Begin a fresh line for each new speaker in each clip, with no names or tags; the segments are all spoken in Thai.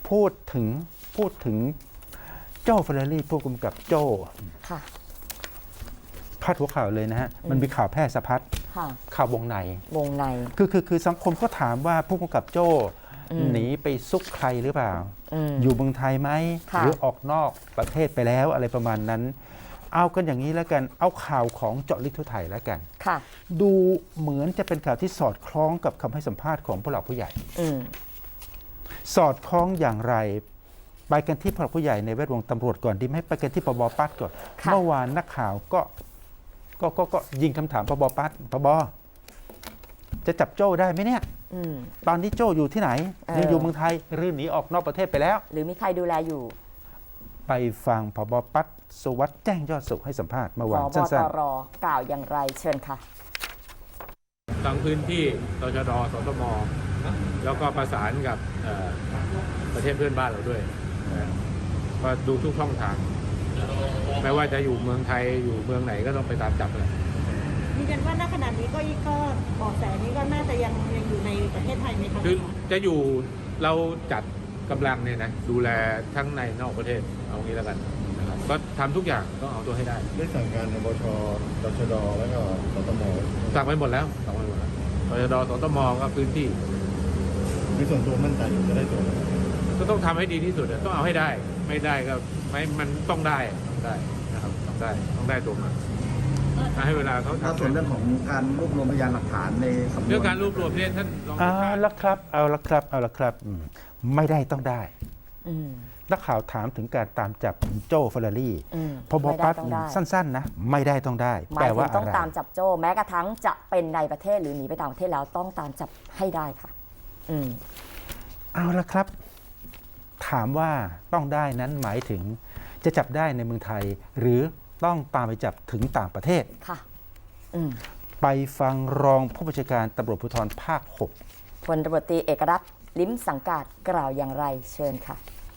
พูดถึงโจ้เฟอร์รารี่ผู้กำกับโจ้
ค่ะ
พาดหัวข่าวเลยนะฮะมันมีข่าวแพร่สะพัด
ค่ะ
ข่าววงใน
วงใน
คือสังคมก็ถามว่าผู้กำกับโจ้หนีไปซุกใครหรือเปล่า อยู่เมืองไทยไหมหรือออกนอกประเทศไปแล้วอะไรประมาณนั้น เอากันอย่างนี้แล้วกันเอาข่าวของเจาะลึกทั่วไทยแล้วกัน
ค่ะ
ดูเหมือนจะเป็นข่าวที่สอดคล้องกับคำให้สัมภาษณ์ของผู้หลักผู้ใหญ่ สอดคล้องอย่างไรไปกันที่ผู้หลักผู้ใหญ่ในแวดวงตำรวจก่อนดีไหมไปกันที่ปบปัดก่อน
ค่ะ
เมื่อวานนักข่าวก็ยิงคำถามปบปัดปบจะจับโจ้ได้ไหมเนี่ยตอนนี้โจ้อยู่ที่ไหนยังอยู่เมืองไทยหรือหนีออกนอกประเทศไปแล้ว
หรือมีใครดูแลอยู่
ไปฟังผบปัดสุวัสด์แจ้งยอดสุขให้สัมภาษณ์เมื่อวาน
ผบ
สั้
ต
น
รกล่าวอย่างไรเชิญค่ะ
ทั้งพื้นที่ตชด.สตม.แล้วก็ประสานกับประเทศเพื่อนบ้านเราด้วยนะก็ดูทุกช่องทาง ไม่ว่าจะอยู่เมืองไทยอยู่เมืองไหนก็ต้องไปตามจับเลย
ยืนยันว่าณขณะนี้ก็เบาะแสนี้ก็น่าจะยังอยู่ในประเทศไทยไหมคะ
คือจะอยู่เราจัดกำลังเนี่ยนะดูแลทั้งในนอกประเทศเอางี้แล้วกันนะครับก็ทำทุกอย่างต้องเอาตัวให้ได้
ได้สั่งการบช.ตชด.แล้วก็สตม.
สั่งไปหมดแล้วตชด.สตม.ก็พื้นที่
ในส่วนตัวมั่นใจอยู่จะได้ตัวไหม
ก็ต้องทำให้ดีที่สุดอะต้องเอาให้ได้ ไม่ได้ก็ไม่มันต้องได้นะครับต้องได้ตัวมาให้เวลาเขา
ถ้า
ทำ
ส่วนเรื่องของการรวบรวมพยานหลักฐานในสำนวน
เรื่องการรวบรวมเนี่ยท่านรอง
ๆเอาละครับไม่ได้ต้องได้นักข่าวถามถึงการตามจับโจ้เฟอร์รารี่พบปัดสั้นๆนะไม่ได้ต้องได้
หมา
แปล
ยถึ
ว่าง อะ
ต้อง
ไร
ตามจับโจ้แม้กระทั่งจะเป็นในประเทศหรือหนีไปต่างประเทศแล้วต้องตามจับให้ได้ค่ะ
เอาละครับ ถามว่าต้องได้นั้นหมายถึงจะจับได้ในเมืองไทย หรือต้องตามไปจับถึงต่างประเทศ
ค่ะ
ไปฟังรองผู้บัญชาการตำรวจภูธรภาค
พลตำรวจตรีเอกรัตน์ลิ้มสังกาดกล่าวอย่างไรเชิญค่ะ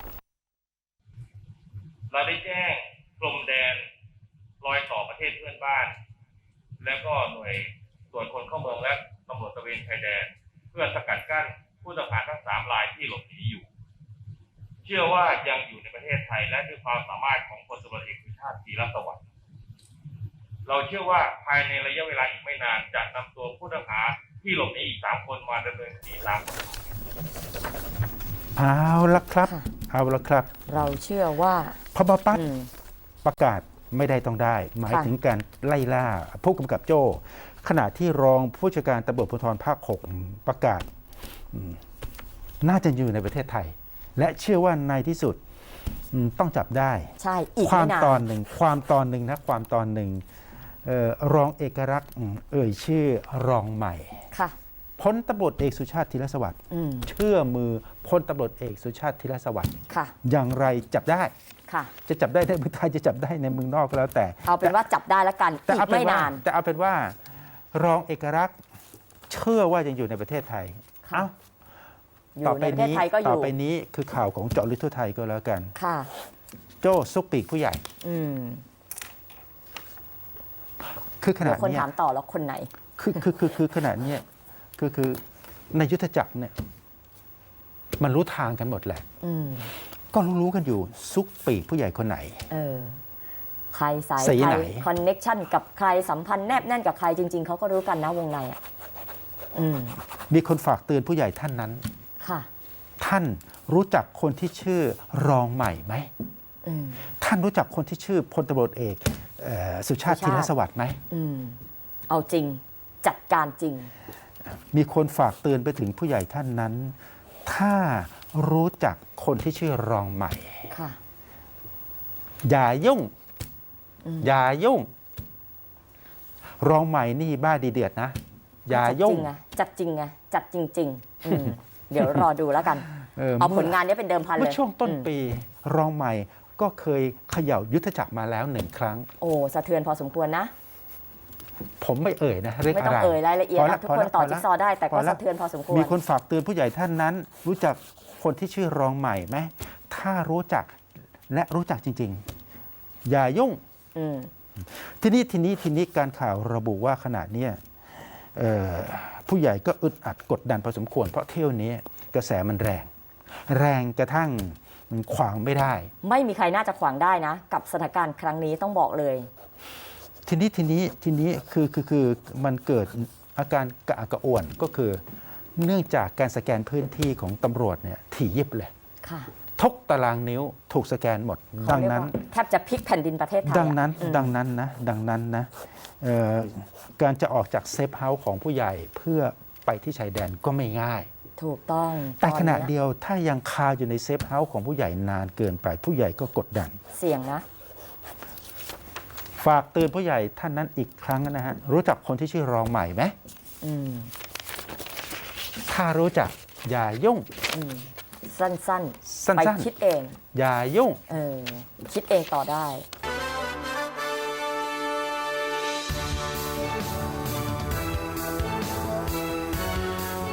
เราได้แจ้งกรมแดนรอยต่อประเทศเพื่อนบ้าน และก็หน่วยตรวจคนเข้าเมืองและตำรวจตระเวนชายแดน เพื่อสกัดกั้นผู้ต้องหาทั้ง3 รายที่หลบหนีอยู่ เชื่อว่ายังอยู่ในประเทศไทยและด้วยความสามารถของพลตำรวจเอกสุชาติธีรสวัสดิ์เราเชื่อว่าภายในระยะเวลาอีกไม่นานจะนำตัวผู้ต้องหาที่หลบหนีอีก3 คนมาดำเนินคดีตามกฎหมาย
6เอาละครับ
เราเชื่อว่า
พบปัดประกาศไม่ได้ต้องได้ หมายถึงการไล่ล่าผู้กำกับโจ้ ขณะที่รองผู้จัดการตำรวจภูธรภาค 6 ประกาศน่าจะอยู่ในประเทศไทย และเชื่อว่าในที่สุดต้องจับได้
ใช่อีก
ความ
ไม่นาน
ตอนหนึ่งรองเอกลักษณ์เอ่ยชื่อรองใหม่
ค่ะ
พลตำรวจเอกสุชาติธีรสวัสดิ์เชื่อมือพลตำรวจเอกสุชาติธีรสวัสดิ์
ค่ะ
อย่างไรจับได้
ค่ะ
จะจับได้ในเมืองไทยจะจับได้ในเมืองนอกก็แล้วแต่
เอาเป็นว่าจับได้แล้วกัน
แต่
อี
เอา
ก
เป็น
ไม่
ว่าน
าน
แต่เอาเป็นว่ารองเอกลักษณ์เชื่อว่ายังอยู่ในประเทศไทย
ค่ะ
เอ้า
อยู่ในประเทศไทยก็อ
ต่อยู่ ไปนี้คือข่าวของเจาะลึกทั่วไทยก็แล้วกัน
ค่ะ
โจ้ซุกปีกผู้ใหญ่ คือข
เดี๋
นา
ย
ด
วคน
เนี้ย
ถามต่อแล้วคนไหน
คือขนาดเนี้ยคือในยุทธจักรเนี่ยมันรู้ทางกันหมดแหละ ก็รู้กันอยู่ซุกปีกผู้ใหญ่คนไหน
ใครสาย
สี
ใคร
ไหน
คอนเน็กชันกับใครสัมพันธ์แนบแน่นกับใครจริง ๆเขาก็รู้กันนะวงในอ่ะ
มีคนฝากเตือนผู้ใหญ่ท่านนั้น
ค่ะ
ท่านรู้จักคนที่ชื่อรองใหม่ไหม ท่านรู้จักคนที่ชื่อพลตำรวจเอกสุชาติธีรสวัสดิ์ไหม
เอาจริงจัดการจริง
มีคนฝากเตือนไปถึงผู้ใหญ่ท่านนั้น ถ้ารู้จักคนที่ชื่อรองใหม่
ค่ะ
อย่ายุ่ง อย่ายุ่ง รองใหม่นี่บ้าดีเดือดนะ อย่ายุ่ง
จัดจริงไงจัดจริงเดี๋ยวรอดูแล้วกัน เอาผลงานนี้เป็นเดิมพันเล
เมื่อย ช่วงต้นปีรองใหม่ก็เคยเขย่ายุทธจักรมาแล้ว1 ครั้ง
โอ้สะเทือนพอสมควรนะ
ผมไม่เอ่ยนะเรื่อง
ไม่
อะ
ต้อง
ไร
เอ่ยรายละเอียด
พ
นะทุกคนต่อจิ๊กซอว์ได้แต่ก็
พละ
สะเทือนพอสมควร
มีคนฝากเตือนผู้ใหญ่ท่านนั้น รู้จักคนที่ชื่อรองใหม่ไหมถ้ารู้จักและรู้จักจริง ๆ อย่ายุ่ง ทีนี้การข่าวระบุว่าขณะเนี้ยผู้ใหญ่ก็อึดอัดกดดันพอสมควรเพราะเที่ยวนี้กระแสมันแรงแรงกระทั่งขวางไม่ได้
ไม่มีใครน่าจะขวางได้นะ กับสถานการณ์ครั้งนี้ต้องบอกเลย
ทีนี้คือมันเกิดอาการกระอักกระอ่วนก็คือ เนื่องจากการสแกนพื้นที่ของตำรวจเนี่ยถี่ยิบเลย
ค่ะ
ทุกตารางนิ้วถูกสแกนหมด ดังนั้น
เขาเรียกว่าแทบจะพลิกแผ่นดินประเทศไทย
ดังนั้น
อืม
ดังนั้นนะการจะออกจากเซฟเฮาส์ของผู้ใหญ่เพื่อไปที่ชายแดนก็ไม่ง่าย
ถูกต้อง
แต่ขณะ
ตอนนี้
เดียวถ้ายังคาอยู่ในเซฟเฮาส์ของผู้ใหญ่นานเกินไปผู้ใหญ่ก็กดดัน
เสี่ยงนะ
ฝากเตือนผู้ใหญ่ท่านนั้นอีกครั้งนะฮะ รู้จักคนที่ชื่อรองใหม่ไหม
อืม
ถ้ารู้จักอย่ายุ่ง
อืมสั้น
สั้
ๆ ไป
น
คิดเอง
ๆ อย่ายุ่ง
คิดเองต่อได้